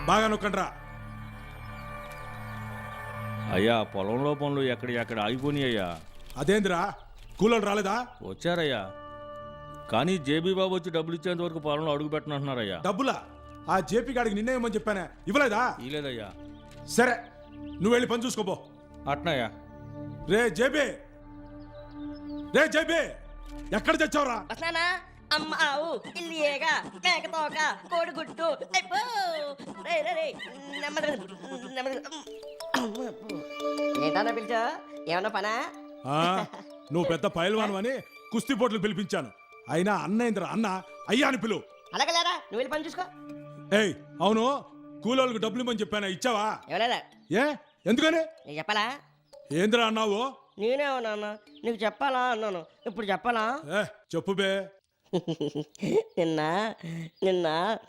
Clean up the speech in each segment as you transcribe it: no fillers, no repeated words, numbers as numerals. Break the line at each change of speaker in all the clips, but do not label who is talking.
బాగా నొక్కండ్రా.
అయ్యా పొలంలో పనులు ఎక్కడ ఆగిపోయి అయ్యా.
అదేందిరా కూలోళ్ళు రాలేదా?
వచ్చారయ్యా, కానీ జేబీ బాబు వచ్చి డబ్బులు ఇచ్చేంత వరకు పొలంలో అడుగు పెట్టనంటున్నారయ్యా.
డబ్బులా? ఆ జేపీ గాడికి నిన్నే ఇవ్వమని చెప్పానే, ఇవ్వలేదా?
ఇలేదయ్యా.
సరే నువ్వు వెళ్ళి పని చూసుకోపో.
అట్నాయా.
రే జేబీ, ఎక్కడ తెచ్చావురా?
వస్తానా అమ్మ ఆవు ఇల్లియేగా మేకతోక కోడిగుడ్డు ఏంటన్నా పిలిచా? ఏమన్నా పనా?
నువ్వు పెద్ద పైల్వాను అని కుస్తీ పోట్లు పిలిపించాను. అయినా అన్నయ్యంద్ర అన్న అయ్యా అని పిలువు.
అలాగే లేరా, నువ్వు వెళ్ళి పని చూసుకో.
ఏయ్ అవును, కూలోళ్ళకి డబ్బులు ఇవ్వమని చెప్పానా, ఇచ్చావా?
ఎవలేదా?
ఏ ఎందుకని?
నీకు చెప్పాలా?
ఏంద్రా అన్నావు?
నేనే ఉన్నా, నీకు చెప్పాలా అన్నాను. ఇప్పుడు చెప్పాలా?
చెప్పు బే.
నిన్న నిన్న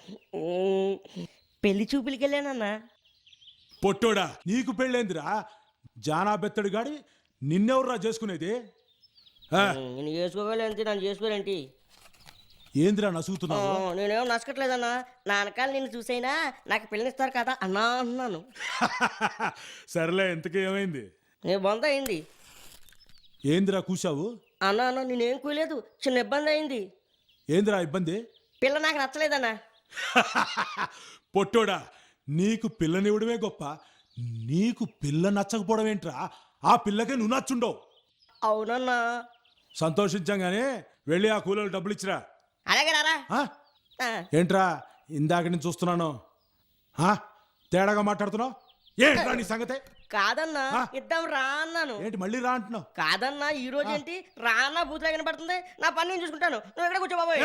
పెళ్లి చూపులకి వెళ్ళానన్నా.
పొట్టోడా, నీకు పెళ్ళేందిరా? జానా బెత్తడు గాడి నిన్నెవర్రా చేసుకునేది?
నేను చేసుకోగలేంటి, నన్ను చేసుకోలేంటి?
ఏందిరా నసుగుతున్నావు?
నేనేమో నచ్చట్లేదన్నా. నా వెనకాల నిన్ను చూసైనా నాకు పిల్లనిస్తారు కదా అన్నా అన్నాను.
సరేలే, ఇంతకీ ఏమైంది?
నేను బొంద అయింది.
ఏందిరా కూసావు?
అన్నా అన్న నేనేం కూలేదు, చిన్న ఇబ్బంది అయింది.
ఏందిరా ఇబ్బంది?
పిల్ల నాకు నచ్చలేదన్నా.
పొట్టోడా, నీకు పిల్లనివ్వడమే గొప్ప, నీకు పిల్ల నచ్చకపోవడం ఏంట్రా? ఆ పిల్లకే నువ్వు నచ్చుండవు.
అవునన్నా.
సంతోషించంగానే వెళ్ళి ఆ కూలీలు డబ్బులు ఇచ్చిరా.
అలాగే రారా.
ఏంట్రా ఇందాక నుంచి చూస్తున్నాను, తేడాగా మాట్లాడుతున్నావు? ఏంట్రా నీ సంగతే?
కాదన్నా, ఇద్దాం రా అన్నాను.
ఏంటి మళ్ళీ రా అంటున్నావు?
కాదన్నా, ఈ రోజు ఏంటి రా అన్న బూతులా కనపడుతుంది. నా పని నేను చూసుకుంటాను, నువ్వు ఎక్కడ కూర్చో బాబోయ్.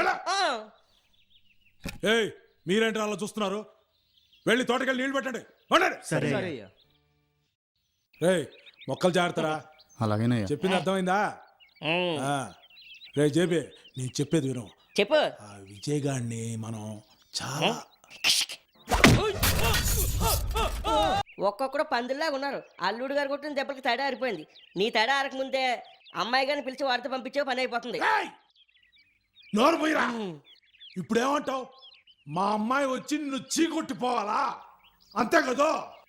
ఏయ్ మీరేంటి అలా చూస్తున్నారు? వెళ్ళి తోటకెళ్ళి నీళ్లు పెట్టండి. రేయ్ మొక్కలు జాగ్రత్తరా.
అలాగేనయ్యా.
చెప్పింది అర్థమైందా? రే జేబీ, నేను చెప్పేది విను.
చెప్పు.
ఆ విజయ్ గాడిని మనం చాలా
ఒక్కొక్కడు పందుల్లాగా ఉన్నారు. అల్లుడు గారు కొట్టిన దెబ్బలకి తేడా ఆరిపోయింది. నీ తేడా ఆరకముందే అమ్మాయి గారిని పిలిచి వాడితో పంపించే పని అయిపోతుంది.
నోరు పోయిరా. ఇప్పుడేమంటావు? మా అమ్మాయి వచ్చి నిన్ను చీకొట్టిపోవాలా, అంతే కదా?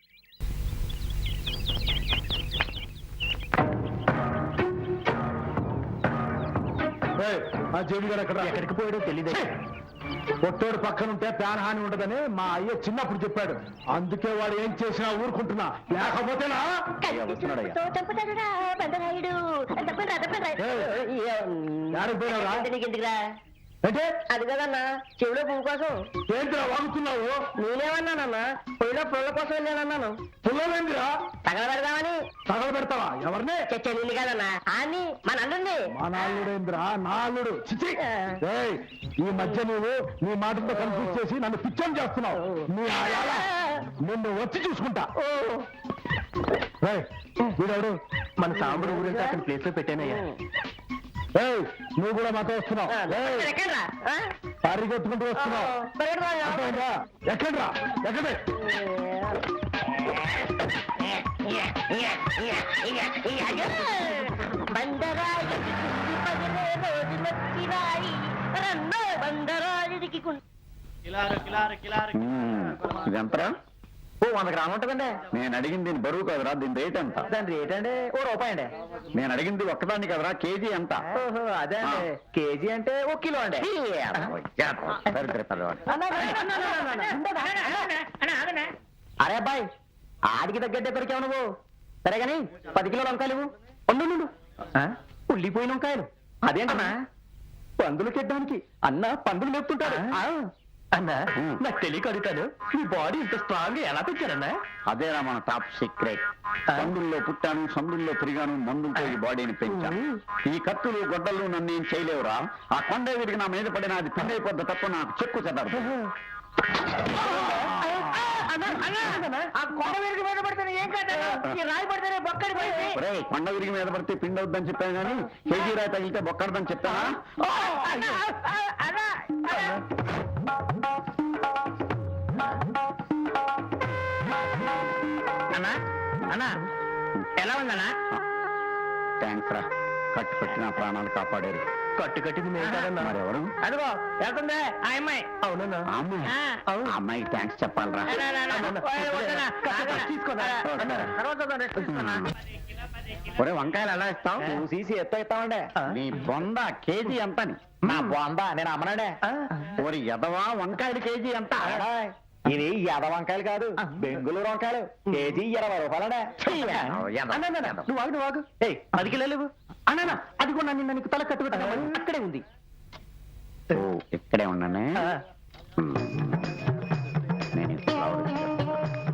ఆ జేబీ గారు ఎక్కడికి పోయాడో తెలియదు. పొట్టోడు పక్కనుంటే ప్రాణహాని ఉండదని మా అయ్య చిన్నప్పుడు చెప్పాడు. అందుకే వాడు ఏం చేసినా ఊరుకుంటున్నా, లేకపోతేనా అంటే
అది కదన్నా, చెవిలో పువ్వు కోసం.
ఏంటిరా వాగుతున్నావు?
నేనేమన్నానన్నా, పొయ్యిలో పుల్ల కోసం వెళ్ళానన్నాను.
పుల్లలేందిరా?
తగలబెడదామని.
తగలబెడతావా? ఎవరిని?
చచ్చా నిన్ను కాదన్నా, అని మన అల్లుడిని.
మా నాల్లుడేంద్రా? నా అల్లుడు. చిచి, ఈ మధ్య నువ్వు నీ మాటతో కన్ఫ్యూజ్ చేసి నన్ను పిచ్చని చేస్తున్నావు. నీ ఆయాల నిన్ను వచ్చి చూసుకుంటా. వీడెవడు? మన సాంబడు గురించి అతని ప్లేస్ లో పెట్టానయ్యా. నువ్వు కూడా మాతో వస్తున్నావు, పరిగెత్తుకుంటూ వస్తున్నావు. ఎక్కడ్రా? ఎక్కడే?
ఇదంతరా? 100 గ్రాములు ఉంటుందండి. నేను అడిగింది దీని బరువు కదరా, దీని రేట్ ఎంత?
దాని రేట్ అండి ₹1 అండి.
నేను అడిగింది ఒక్కదాన్ని కదరా, కేజీ ఎంత?
అదే అండి, కేజీ అంటే 1 కిలో అండి. అరే అబ్బాయి, ఆడికి తగ్గట్టే దొరికావు నువ్వు. సరే గాని 10 కిలోల వంకాయలు ఉండు. ఉల్లిపోయిన వంకాయలు అదేంటన్నా? పందులు కెట్టడానికి అన్న పందులు మెప్పుతుంటాడు. అన్నా నాకు తెలియక అడుగుతాను, మీ బాడీ ఇంత స్ట్రాంగ్ ఎలా పెంచారన్నా?
అదేనా మన టాప్ సీక్రెట్. సందుల్లో పుట్టాను, సందుల్లో తిరిగాను, మందులతో ఈ బాడీని పెంచాను. ఈ కత్తులు గొడ్డలు నన్ను ఏం చేయలేవురా. ఆ కొండ విరిగి నా మీద పడిన అది పిండి అయిపోద్ది తప్ప నాకు చెక్కు చెదరదు. కొండ విరిగి మీద పడితే పిండి అవుద్దని చెప్పాను కానీ కేజీ రాయి తగిలితే బొక్కడదని చెప్తానా?
అన్నా ఎలా ఉందన్నా?
థ్యాంక్స్ రా, కట్టు పెట్టి నా ప్రాణాలు కాపాడారు.
కట్టు కట్టింది మేము కదన్నా.
మరెవరు?
అదిగో వెళ్తుందే ఆ అమ్మాయి. అవునన్నా.
ఆ అమ్మాయి? ఆ అమ్మాయికి థ్యాంక్స్ చెప్పాలరా.
తీసుకోనా
ఒరే వంకాయలు ఎలా ఇస్తావు?
నువ్వు సీసీ ఎత్తామండే.
నీ బొంద కేజీ ఎంతని?
నా బాందా నేను అమ్మనాడే.
ఓరి ఎదవా వంకాయలు కేజీ ఎంత?
ఇది ఎద వంకాయలు కాదు, బెంగుళూరు వంకాయలు. కేజీ 20 రూపాయలనే. నువ్వు ఆగు, నువ్వు ఆగు. 10 కిలోలు ఇవ్వు. అన్నా అది కూడా నిన్న నీకు తల కట్టుకుంటా అక్కడే ఉంది.
ఓ, ఇక్కడే ఉన్నానే. నేను ఈ ఫ్లవర్ ఇచ్చేస్తాను.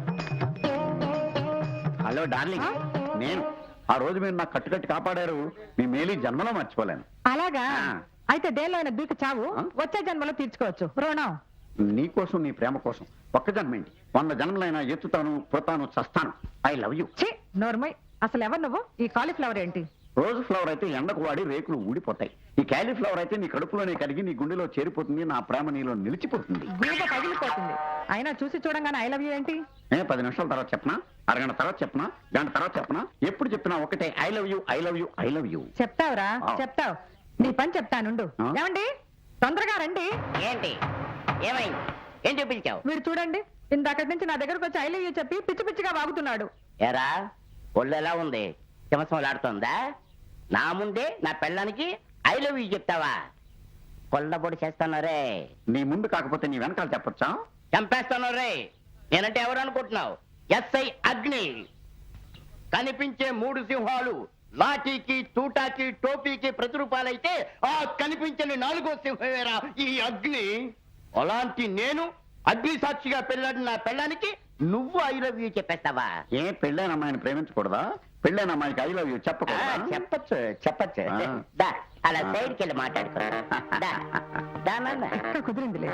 హలో డార్లింగ్, నేను ఆ రోజు మీరు నాకు కట్టుకట్టి కాపాడారు. మీ మేలు ఈ జన్మలో మర్చిపోలేను.
అలాగా
ఆ.
అయితే దేనిలో అయినా దూకి చావు
ఆ?
వచ్చే జన్మలో తీర్చుకోవచ్చు రుణం.
నీ కోసం, నీ ప్రేమ కోసం ఒక్క జన్మేంటి 100 జన్మలైనా ఎత్తుతాను, పుడతాను, చస్తాను. I love you.
ఛీ నోర్మై, అసలు ఎవరు నువ్వు? ఈ కాలీఫ్లవర్ ఏంటి?
రోజు ఫ్లవర్ అయితే ఎండకు వాడి రేకులు ఊడిపోతాయి. ఈ క్యాలీఫ్లవర్ అయితే నీ కడుపులోనే కరిగి నీ గుండెలో చేరిపోతుంది. నా ప్రేమ నీలో నిలిచిపోతుంది.
గూబ పగిలిపోతుంది. అయినా చూసి చూడంగానే ఐ లవ్ యూ ఏంటి?
10 నిమిషాల తర్వాత చెప్పనా? అరగంట తర్వాత చెప్పనా? గంట తర్వాత చెప్పనా? ఎప్పుడు చెప్పినా ఒకటే I love you, I love you, I love you.
చెప్తావురా
ఆ.
చెప్తావు. నీ పని చెప్తానుండు.
ఆ?
ఏమండి తొందరగా రండి.
ఏంటి ఏమైంది? ఏం చూపించావు?
మీరు చూడండి, ఇందాకటి నుంచి నా దగ్గరకు వచ్చి ఐ లవ్ యూ చెప్పి పిచ్చి పిచ్చిగా వాగుతున్నాడు.
ఎరా ఒళ్ళు ఎలా ఉంది? హిమసంలాడుతోందా? నా ముందే నా పెళ్ళానికి ఐ లవ్ యూ చెప్తావా? కొల్లబొడి చేస్తాను రే.
నీ ముందు కాకపోతే నీ వెనకాల చెప్పొచ్చా?
చంపేస్తాను రే. నేనంటే ఎవరు అనుకుంటున్నావు? ఎస్ఐ అగ్ని. కనిపించే 3 సింహాలు లాఠీకి, తూటాకి, టోపీకి ప్రతిరూపాలైతే ఆ కనిపించని 4వ సింహమేరా ఈ అగ్ని. అలాంటి నేను అగ్ని సాక్షిగా పెళ్ళాడిన నా పెళ్ళానికి నువ్వు ఐ లవ్ యూ చెప్పేస్తావా?
ఏ పెళ్ళైన అమ్మాయిని ప్రేమించకూడదా? పెళ్ళైన అమ్మాయికి ఐ లవ్ యూ చెప్పకూడదా?
చెప్పచ్చు చెప్పచ్చు.
ఆ.
దా అలా సైడ్కి వెళ్ళి మాట్లాడుకో. దా. దా నాన్న.
కుదిరిందిలే.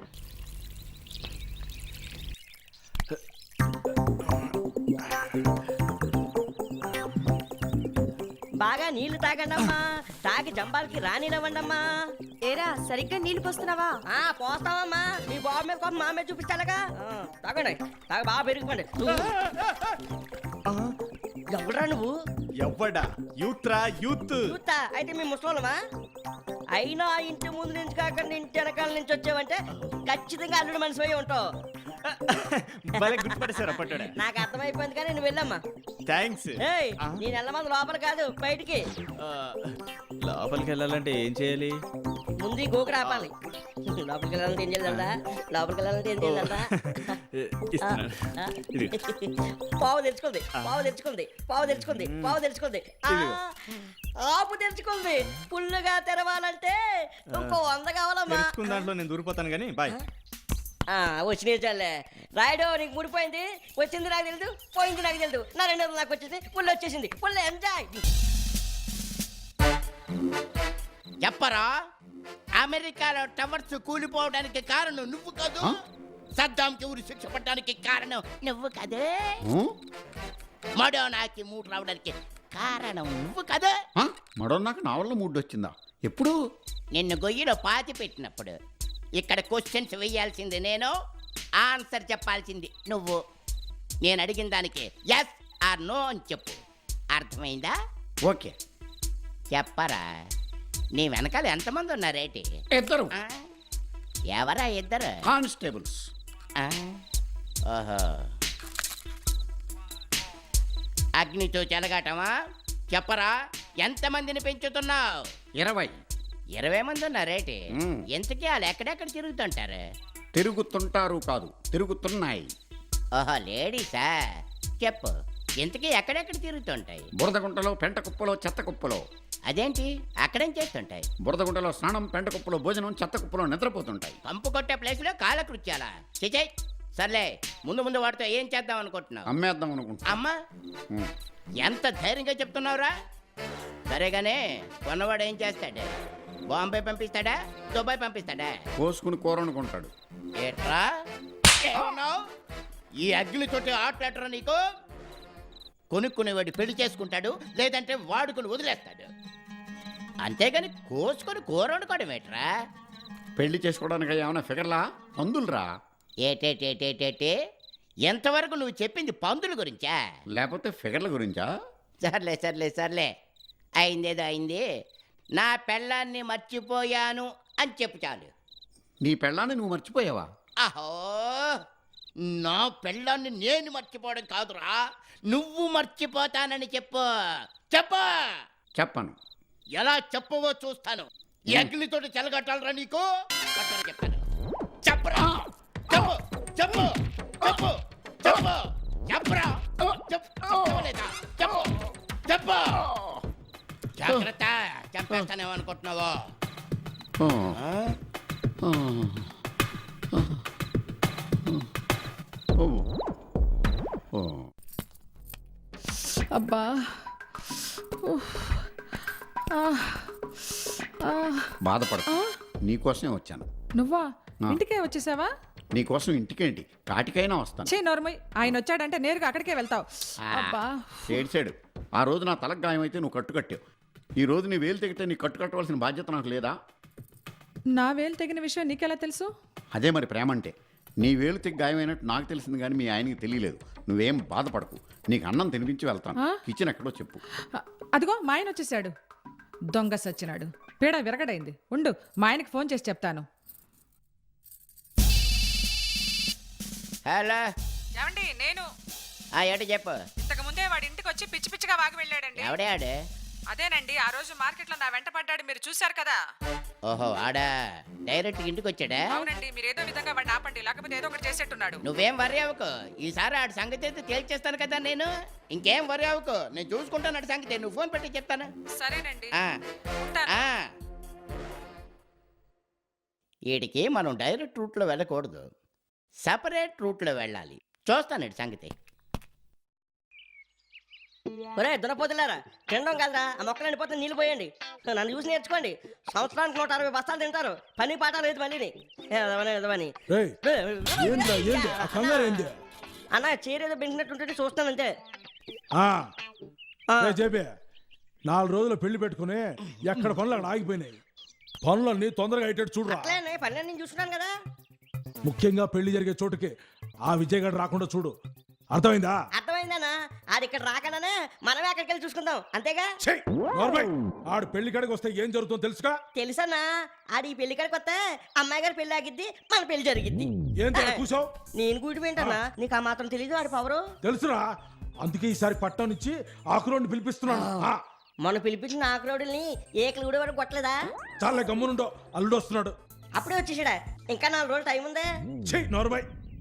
బాగా నీళ్లు తాగండమ్మా. తాగి జంబాలకి రానివ్వండమ్మా.
ఏరా సరిగ్గా నీళ్లు పోస్తున్నావా?
పోస్తావమ్మా. మీ బాబు మీద కొంత మా మీద చూపించాలగా. తాగండి. తాగ బాగా పెరిగిపోండి. ఎవడరా నువ్వు?
ఎవ్వడా? యూత్రా యూత్.
చూస్తా అయితే మీ ముసలోళ్ళమా? అయినా ఇంటి ముందు నుంచి కాకుండా ఇంటి వెనకాల నుంచి వచ్చావంటే ఖచ్చితంగా అల్లుడు మనిషి అయి ఉంటావు.
భలే గుర్తుపడేశారు పట్టాడా.
నాకు అర్థమైపోయింది కానీ నువ్వు వెళ్ళమ్మా.
థ్యాంక్స్.
ఏయ్ నేను వెళ్ళమంది లోపల కాదు బయటికి.
లోపలికి వెళ్ళాలంటే ఏం చేయాలి?
ముందు ఈ గోకుడు ఆపాలి. లోపలికి వెళ్ళాలంటే ఏం చేయాలందా? లోపలికి వెళ్ళాలంటే ఏం చేయాలందా?
ఇస్తున్నాను. ఇది.
పావు తెరుచుకుంది, పావు తెరుచుకుంది, పావు తెరుచుకుంది, పావు తెరుచుకుంది. ఆపు తెరుచుకుంది. ఫుల్లుగా తెరవాలంటే ఇంకో 100 కావాలమ్మా.
తెలుసుకున్న దాంట్లో నేను దూరిపోతాను కానీ బాయ్.
వచ్చిన చాలే రాయుడు. నీకు ముడిపోయింది, వచ్చింది నాకు తెలియదు, పోయింది నాకు తెలియదు. నా 200 నాకు వచ్చింది, పుల్లు వచ్చేసింది. పుల్లు ఎంజాయ్.
చెప్పరా? అమెరికాలో టవర్స్ కూలిపోవడానికి కారణం నువ్వు కాదు. సద్దాంకి ఊరి శిక్ష పడడానికి కారణం నువ్వు కదే. మడోనాకి మూడు రావడానికి కారణం నువ్వు కదా.
మడోన్నాక నా వల్ల మూడు వచ్చిందా? ఎప్పుడు?
నిన్ను గొయ్యిలో పాతి పెట్టినప్పుడు. ఇక్కడ క్వశ్చన్స్ వేయాల్సింది నేను, ఆన్సర్ చెప్పాల్సింది నువ్వు. నేను అడిగిన దానికి ఎస్ ఆర్ నో అని చెప్పు. అర్థమైందా?
ఓకే.
చెప్పరా, నీ వెనకాల ఎంతమంది ఉన్నారేటి?
2
ఎవరా 2?
కానిస్టేబుల్స్.
ఓహో, అగ్నితో చెలగాటమా? చెప్పరా, ఎంతమందిని పెంచుతున్నావు? 20 మంది ఉన్నారేటి? ఎంతకీ వాళ్ళు ఎక్కడెక్కడ తిరుగుతుంటారు?
తిరుగుతుంటారు కాదు, తిరుగుతున్నాయి.
ఓహో, లేడీసా? చెప్పు, ఎంతకీ ఎక్కడెక్కడ తిరుగుతుంటాయి?
బురదగుంటలో, పెంట కుప్పలో, చెత్త కుప్పలో.
అదేంటి, అక్కడేం చేస్తుంటాయి?
బురదగుంటలో స్నానం, పెంట కుప్పలో భోజనం, చెత్త కుప్పలో నిద్రపోతుంటాయి.
పంపు కొట్టే ప్లేస్లో కాలకృత్యాలా? చిచై, సర్లే, ముందు ముందు వాటితో ఏం చేద్దాం అనుకుంటున్నావు?
అమ్మేద్దాం అనుకుంటా.
అమ్మా, ఎంత ధైర్యంగా చెప్తున్నావురా? సరేగానే, కొన్నవాడు ఏం చేస్తాడు? బాంబే పంపిస్తాడా, దుబాయ్ పంపిస్తాడా?
కోసుకుని కూర అనుకుంటాడు.
ఏట్రా ఏమన్నావ్? ఈ అగ్నితోటి ఆటలాడరా నీకు? కొనుక్కునేవాడు పెళ్లి చేసుకుంటాడు, లేదంటే వాడుకుని వదిలేస్తాడు. అంతేగాని కోసుకొని కూర వండుకోవడం ఏట్రా?
పెళ్లి చేసుకోవడానికి ఏమైనా ఫిగర్లా? పందులురా.
ఏటేటేటేటేటే, ఎంతవరకు నువ్వు చెప్పింది పందుల గురించా,
లేకపోతే ఫిగర్ల గురించా?
సర్లే సర్లే సర్లే, అయిందేదో అయింది. నా పెళ్ళాన్ని మర్చిపోయాను అని చెప్పు చాలు.
నీ పెళ్ళాన్ని నువ్వు మర్చిపోయావా?
అహో, నా పెళ్ళాన్ని నేను మర్చిపోవడం కాదురా, నువ్వు మర్చిపోతానని చెప్పు. చెప్పు.
చెప్పను.
ఎలా చెప్పవో చూస్తాను. అగ్నితోటి చెలగట్టాలరా నీకు? కట్టని చెప్తాను. చెప్పరా, చెప్పు చెప్పు చెప్పు చెప్పు చెప్పరా, చెప్పలేదా? చెప్పు చెప్పు. జాగ్రత్త, చంపేస్తానేమో అనుకుంటున్నావో?
ఓ.
ఆ?
ఓ. ఓ. ఓ.
అబ్బా. ఉఫ్. ఆ. ఆ.
బాధపడకు, నీకోసమే వచ్చాను.
నువ్వా
ఆ.
ఇంటికే వచ్చేసావా?
నీకోసం ఇంటికేంటి, కాటికైనా వస్తాను.
చే నోర్మయ్, ఆయన వచ్చాడంటే నేరుగా అక్కడికే వెళ్తావు. అబ్బా.
ఏడ్చాడు. ఆ రోజు నా తలకు గాయమైతే నువ్వు కట్టుకట్టావు. ఈ రోజు నీ వేలు తెగితే నీ కట్టు కట్టవలసిన బాధ్యత నాకు లేదా?
నా వేలు తెగిన విషయం నీకెలా తెలుసు?
అదే మరి ప్రేమ అంటే. నీ వేలు తెగి గాయమైనట్టు నాకు తెలిసింది కానీ మీ ఆయనకి తెలియలేదు. నువ్వేం బాధపడకు, నీకు అన్నం తినిపించి వెళ్తాను.
ఆ?
కిచెన్ ఎక్కడో చెప్పు.
అదిగో మా ఆయన వచ్చేసాడు. దొంగ సచ్చినాడు, పీడ విరగడైంది. ఉండు, మా ఆయనకి ఫోన్ చేసి చెప్తాను.
హలో.
ఏమండి, నేను
ఏంటో చెప్పు.
ఇంతకు ముందే వాడి ఇంటికి వచ్చి పిచ్చి పిచ్చిగా వాగి వెళ్ళాడండి.
ఎవడే ఆడే?
అదేనండి, ఆ రోజు మార్కెట్లో నా వెంట పడ్డాడు, మీరు చూశారు కదా.
ఓహో, ఆడా డైరెక్ట్ ఇంటికి వచ్చాడా?
అవునండి, మీరు ఏదో విధంగా వాడిని ఆపండి, లేకపోతే ఏదో ఒకటి చేసేట్టున్నాడు.
నువ్వేం వరి అవ్వకు, ఈసారి ఆడి సంగతి అయితే తేల్చేస్తాను కదా నేను. ఇంకేం వరి అవ్వకు, నేను చూసుకుంటాను ఆడి సంగతి. నువ్వు ఫోన్ పెట్టి చెప్తాను.
సరేనండి,
ఆ,
ఉంటాను.
ఆ. వీడికి మనం డైరెక్ట్ రూట్లో వెళ్ళకూడదు, సపరేట్ రూట్లో వెళ్ళాలి. చూస్తాను వీడి సంగతి.
ఒరే దురపోతులారా, తినడం కదరా, ఆ మొక్కలు ఎండిపోతే నీళ్ళు పోయండి. నన్ను చూసి నేర్చుకోండి. సంవత్సరానికి 160 బస్తాలు తింటారు, పని పాట లేదు మళ్ళీని. ఎదవని
రేయ్, ఏంద్రా ఏంది ఆ కంగారు ఏంది?
అన్న చీరేదో పెంచినట్టుంటే చూస్తానంతే.
చెప్పే 4 రోజులు పెళ్లి పెట్టుకుని ఎక్కడ పనులు అక్కడ ఆగిపోయినాయి. పనులన్నీ తొందరగా అయ్యేటట్టు చూడరా.
అట్లే పని నేను చూస్తున్నాను కదా.
ముఖ్యంగా పెళ్లి జరిగే చోటుకి ఆ విజయ్ గారు రాకుండా చూడు, అర్థమైందా?
అర్థమైందన్నా, ఆడి ఇక్కడ రాకనే మనమే అక్కడికి వెళ్ళి చూసుకుందాం, అంతేగా.
ఛీ, నోర్మై. ఆడు పెళ్లి కాడికి వస్తే ఏం జరుగుతుందో తెలుసుగా?
తెలుసన్నా, ఆడి ఈ పెళ్లి కాడికి వస్తే అమ్మాయి గారి పెళ్లి ఆగిద్ది, మన పెళ్లి జరిగిద్ది.
ఏంటి కూర్చోవు?
నేను కూడి పోయింటన్నా, నీకు ఆ మాత్రం తెలీదు ఆడి పవరు.
తెలుసురా, అందుకే ఈసారి పట్టణం నుంచి ఆకురోడ్ని పిలిపిస్తున్నాను.
మొన్న పిలిపించిన ఆకురోడుల్ని ఏకలు కూడా వరకు కొట్టలేదా?
చాలా గమ్మునుండో, అల్లుడు వస్తున్నాడు.
అప్పుడే వచ్చేసాడా? ఇంకా 4 రోజులు టైం ఉందే.
ఛీ, నోర్మై.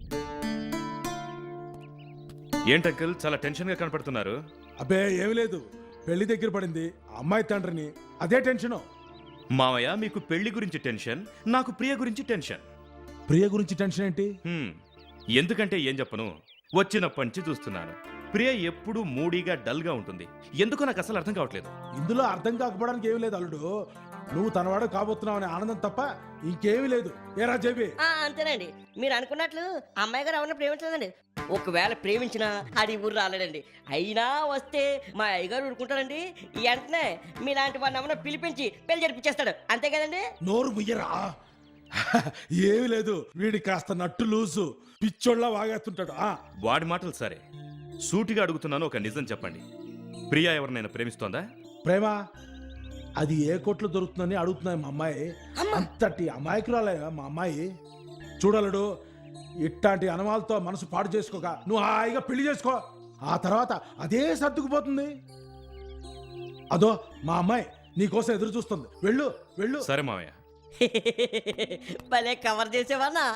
ఏంటంకల్ చాలా టెన్షన్ గా కనపడుతున్నారు?
అబ్బే ఏమి లేదు, పెళ్లి దగ్గర పడింది, అమ్మాయి తండ్రిని, అదే టెన్షన్.
మావయ్య, మీకు పెళ్లి గురించి టెన్షన్, నాకు ప్రియ గురించి టెన్షన్.
ప్రియ గురించి టెన్షన్ ఏంటి?
ఎందుకంటే ఏం చెప్పను, వచ్చినప్పటి నుంచి చూస్తున్నాను. ప్రియ ఎప్పుడు మూడీగా డల్ గా ఉంటుంది. ఎందుకో నాకు అసలు అర్థం కావట్లేదు.
ఇందులో అర్థం కాకపోవడానికి ఏమీ లేదు అల్లుడు, నువ్వు తనవాడు కాబోతున్నావు అనే ఆనందం తప్ప ఇంకేమీ లేదు. ఏరా జేబీ?
అంతేనండి, మీరు అనుకున్నట్లు అమ్మాయి గారు ఎవరిని ప్రేమించలేదండి. ఒకవేళ ప్రేమించినా అది ఊరు రాలేడండి. అయినా వస్తే మా అయ్యగారు ఊరుకుంటారండి. వెంటనే మీలాంటి వాడిని ఏమన్నా పిలిపించి పెళ్లి జరిపించేస్తాడు, అంతే కదండి.
నోరు ముయ్యరా. ఏమీ లేదు, వీడి కాస్త నట్టు లూసు, పిచ్చోళ్ళ వాగేస్తుంటాడు.
వాడి మాటలు సరే, సూటిగా అడుగుతున్నాను, ఒక నిజం చెప్పండి. ప్రియా ఎవరినైనా ప్రేమిస్తోందా?
ప్రేమ అది ఏ కోట్లు దొరుకుతుందని అడుగుతున్నాయి మా అమ్మాయి. అంతటి అమాయకురాలే మా అమ్మాయి. చూడలుడు, ఇట్లాంటి అనుమాలతో మనసు పాడు చేసుకోక నువ్వు హాయిగా పెళ్లి చేసుకో, ఆ తర్వాత అదే సర్దుకుపోతుంది. అదో మా అమ్మాయి నీకోసం ఎదురు చూస్తుంది, వెళ్ళు వెళ్ళు.
సరే మావయ్య.
భలే కవర్ చేసేవాళ్ళా.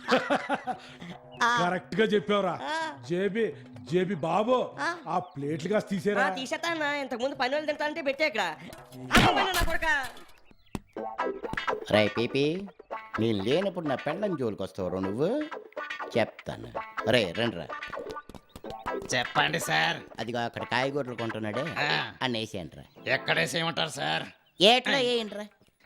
కరెక్ట్ గా చెప్పావురా. జేబీ జేబీ బాబు, ఆ ప్లేట్లు కాస్త తీసేరా.
తీసేస్తానా, ఇంతకు ముందు పని వాళ్ళు తింటానంటే పెట్టే ఇక్కడ.
రై పీపీ, నేను లేనప్పుడు నా పెళ్ళం జోలికి వస్తావు నువ్వు, చెప్తాను. రే రండిరా.
చెప్పండి సార్.
అదిగో అక్కడ కాయగూరలు కొంటున్నాడే, అన్న వేసేయండిరా.
ఎక్కడేసేయమంటారు సార్?
ఏట్లో వేయండిరా.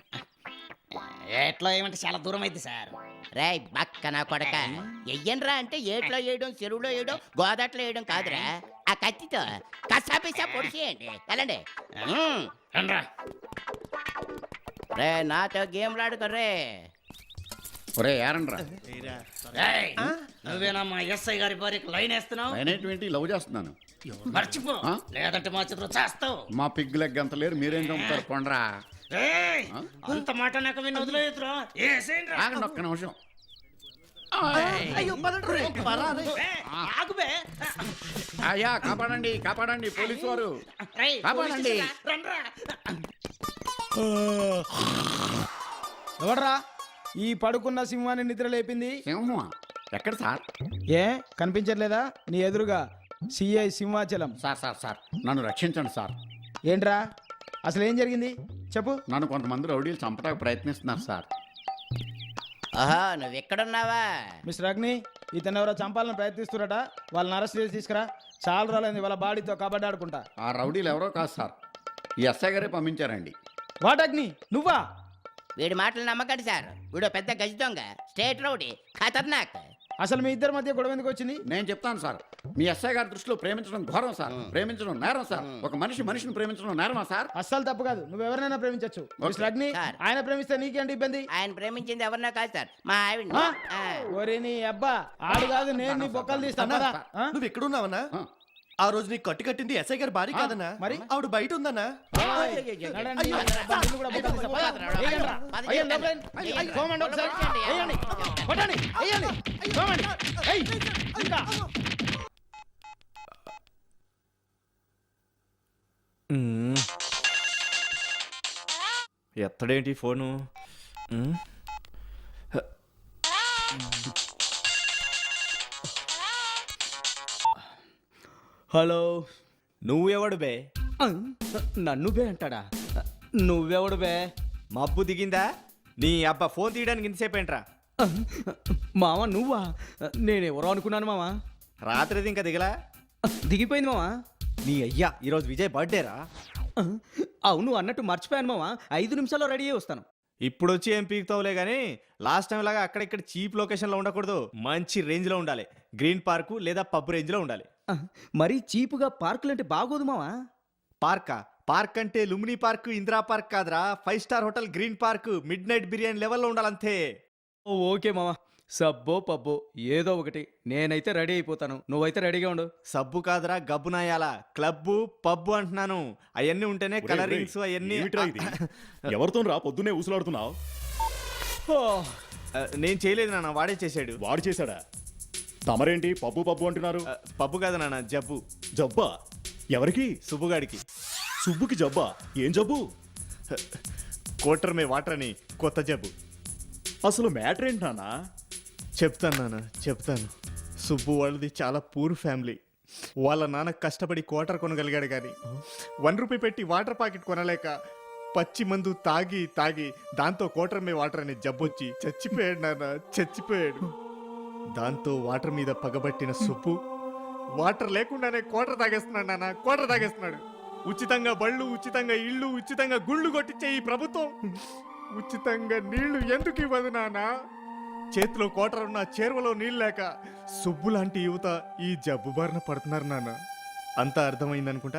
ఏట్లో ఏమంటే చాలా దూరం అయింది సార్.
రే బక్క నా కొడక, ఎయ్యండ్రా అంటే ఏట్లో వేయడం, చెరువులో వేయడం, గోదాట్లో వేయడం కాదురా. ఆ కత్తితో కసాపిసా పొడిచేయండి, వెళ్ళండి. రే నాతో గేమ్లాడుకోర్రే.
ఒరే ఏరండ్రా.
నువ్వేనా మా ఎస్ఐ గారి భార్యకు లైన్ వేస్తున్నావు?
నేనేంటి లవ్ చేస్తున్నాను.
మర్చిపో, లేదంటే మా చేతిలో చేస్తావు.
మా పిగ్ లెగ్ అంత లేరు, మీరేం చంపుతారు? పొండ్రా.
అంత మాట నాకు విని వదిలేదురా
ఆగండి ఒక్క నిమిషం. అయ్యా కాపాడండి కాపాడండి పోలీసు వారు కాపాడండి.
ఎవడ్రా ఈ పడుకున్న సింహాన్ని నిద్ర లేపింది?
సింహమా? ఎక్కడ సార్?
ఏ కనిపించట్లేదా నీ ఎదురుగా CI Simhachalam.
Sir sir sir నన్ను రక్షించండి సార్.
ఏంట్రా అసలు ఏం జరిగింది చెప్పు.
నన్ను కొంతమంది రౌడీలు చంపడానికి ప్రయత్నిస్తున్నారు సార్.
ఆహా నువ్వు ఎక్కడున్నావా?
మిస్టర్ అగ్ని ఇతను ఎవరో చంపాలని ప్రయత్నిస్తున్నట, వాళ్ళని అరెస్ట్ చేసి తీసుకురా. చాలా రోజులైంది వాళ్ళ బాడీతో కబడ్డీ ఆడుకుంటా.
ఆ రౌడీలు ఎవరో కాదు సార్, ఈ ఎస్ఐ గారే పంపించారండి.
వాట్ అగ్ని నువ్వా?
వీడి మాటలు నమ్మకండి సార్, వీడు పెద్ద గజ దొంగ, స్టేట్ రౌడీ, ఖతర్నాక్.
అసలు మీ ఇద్దరి మధ్య గొడవ ఎందుకు వచ్చింది?
నేను చెప్తాను సార్. మీ ఎస్ఐ గారి దృష్టిలో ప్రేమించడం ఘోరం సార్, ప్రేమించడం నేరం సార్. ఒక మనిషిని ప్రేమించడం నేరమా సార్?
అస్సలు తప్పు కాదు, నువ్వు ఎవరినైనా ప్రేమించచ్చు. మిస్టర్ అగ్ని
సార్.
ఆయన ప్రేమిస్తే నీకేంటి ఇబ్బంది?
ఆయన ప్రేమించింది ఎవరినా కాదు సార్, మా ఆవిడ.
ఒరే నీ అబ్బా ఆడు కాదు, నేను నీ బొక్కలు తీస్తాను కదా. ఆ?
నువ్వు ఎక్కడున్నావన్నా? ఆ రోజు నీకు కట్టింది ఎస్ఐ గారి భార్య కాదన్నా,
మరి?
ఆవిడ బయట ఉందన్నా.
నడండి, అబ్బా, నిన్ను కూడా బొక్కలు తీస్తా. పద. వేయండిరా. వేయండి, లోపలండి. తోమండి ఒకసారి. వేయండి. కొట్టండి. వేయండి. తోమండి. ఏయ్, ఇంకా.
ఎత్తడేంటి ఫోను? హలో, నువ్వెవడు బే? నన్ను బే అంటాడా? నువ్వెవడు బే? మబ్బు దిగిందా? నీ అబ్బా ఫోన్ తీయడానికి ఇంతసేపు ఏంట్రా?
మామ నువ్వా? నేనెవరో అనుకున్నాను మామ.
రాత్రిది ఇంకా దిగలా?
దిగిపోయింది మామ.
నీ అయ్యా ఈరోజు విజయ్ బర్త్డేరా?
అవును అన్నట్టు మర్చిపోయాను మామ. 5 నిమిషాల్లో రెడీ అయ్యి వస్తాను.
ఇప్పుడు వచ్చి ఏం పీకుతావులే కానీ లాస్ట్ టైం లాగా అక్కడిక్కడ చీప్ లొకేషన్లో ఉండకూడదు, మంచి రేంజ్లో ఉండాలి. గ్రీన్ పార్కు లేదా పబ్ రేంజ్లో ఉండాలి.
మరీ చీపుగా పార్కులంటే బాగోదు మావా.
పార్కా? పార్క్ అంటే లుమినీ పార్క్, ఇందిరా పార్క్ కాదురా, 5 star hotel green park, midnight biryani లెవెల్లో ఉండాలంతే.
ఓకే మావా, సబ్బో పబ్బో ఏదో ఒకటి. నేనైతే రెడీ అయిపోతాను, నువ్వైతే రెడీగా ఉండు.
సబ్బు కాదురా గబ్బునాయాల, క్లబ్బు పబ్బు అంటున్నాను. అవన్నీ ఉంటేనే కలరింగ్స్ అవన్నీ.
ఎవరితో రా పొద్దునే ఊసులాడుతున్నావు?
నేను చేయలేదు నాన్న, వాడే చేశాడు.
వాడు చేశాడా? తమరేంటి పబ్బు పబ్బు అంటున్నారు?
పబ్బు కాదు నాన్న, జబ్బు.
జబ్బా? ఎవరికి?
సుబ్బుగాడికి.
సుబ్బుకి జబ్బా? ఏం జబ్బు?
కోటర్ మే వాటర్ అని కొత్త జబ్బు.
అసలు మ్యాటర్ ఏంటి నాన్నా?
చెప్తాను నాన్న, చెప్తాను. సుబ్బు వాళ్ళది చాలా పూర్ ఫ్యామిలీ. వాళ్ళ నాన్న కష్టపడి క్వార్టర్ కొనగలిగాడు కానీ 1 రూపీ పెట్టి వాటర్ ప్యాకెట్ కొనలేక పచ్చి మందు తాగి తాగి దాంతో క్వార్టర్ మే వాటర్ అనే జబ్బొచ్చి చచ్చిపోయాడు నాన్న, చచ్చిపోయాడు. దాంతో వాటర్ మీద పగబట్టిన సుబ్బు వాటర్ లేకుండానే క్వార్టర్ తాగేస్తున్నాడు నాన్న, క్వార్టర్ తాగేస్తున్నాడు. ఉచితంగా బళ్ళు, ఉచితంగా ఇళ్ళు, ఉచితంగా గుళ్ళు కొట్టించే ఈ ప్రభుత్వం ఉచితంగా నీళ్లు ఎందుకు ఇవ్వదు నాన్న? చేతిలో కోటర్ ఉన్న చేరువలో నీళ్ళు లేక సుబ్బు లాంటి యువత ఈ జబ్బు బారిన పడుతున్నారు నాన్న. అంతా అర్థమైందనుకుంటా.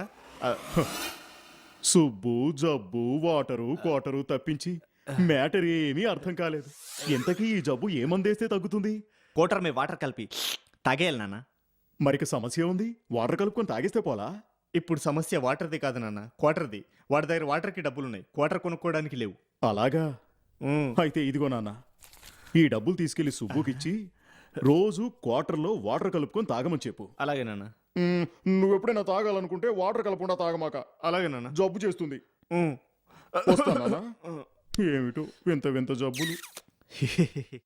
సుబ్బు జబ్బు వాటరు కోటరు తప్పించి మ్యాటర్ ఏమీ అర్థం కాలేదు. ఎంతకీ ఈ జబ్బు ఏమందేస్తే తగ్గుతుంది?
కోటర్ మే వాటర్ కలిపి తాగేయాలి నాన్న.
మరికి సమస్య ఉంది, వాటర్ కలుపుకొని తాగేస్తే పోలా?
ఇప్పుడు సమస్య వాటర్ది కాదు నాన్న, క్వార్టర్ది. వాడి దగ్గర వాటర్కి డబ్బులున్నాయి, క్వార్టర్ కొనుక్కోవడానికి లేవు.
అలాగా? అయితే ఇదిగో నాన్న, ఈ డబ్బులు తీసుకెళ్లి సుబ్బుకిచ్చి రోజు క్వార్టర్లో వాటర్ కలుపుకొని తాగమని చెప్పు.
అలాగే నాన్న.
నువ్వెప్పుడైనా తాగాలనుకుంటే వాటర్ కలపకుండా తాగమాక.
అలాగే నాన్న.
జబ్బు చేస్తుంది. వస్తానా? ఏమిటో వింత వింత జబ్బులు.